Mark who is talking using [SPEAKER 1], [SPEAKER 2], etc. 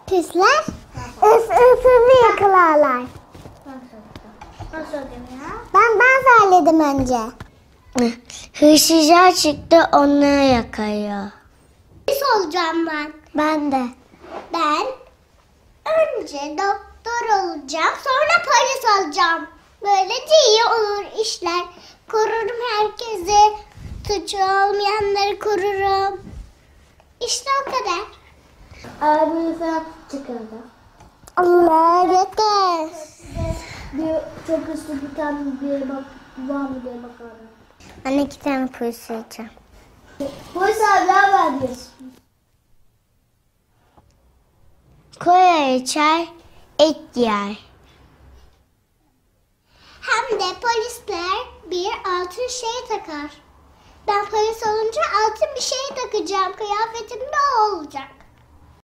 [SPEAKER 1] Pisler ısırı yakalarlar.
[SPEAKER 2] Nasıl ödeyim ya?
[SPEAKER 1] Ben söyledim önce.
[SPEAKER 3] Hırsızlar çıktı, onları yakalıyor.
[SPEAKER 1] Polis olacağım ben.
[SPEAKER 3] Ben de.
[SPEAKER 1] Ben önce doktor olacağım, sonra polis olacağım. Böylece iyi olur işler. Korurum herkesi. Suçu olmayanları korurum. İşte o kadar.
[SPEAKER 2] Arabayı falan çıkardı.
[SPEAKER 1] Allah yeter.
[SPEAKER 2] Çok hızlı bir tane bir bak var mı diye bakarım.
[SPEAKER 1] Ben 2 tane polis olacağım.
[SPEAKER 2] Polis abi ne haber diyorsun?
[SPEAKER 3] Kola içer, et yer.
[SPEAKER 1] Hem de polisler bir altın şey takar. Ben polis olunca altın bir şey takacağım. Kıyafetim de o olacak.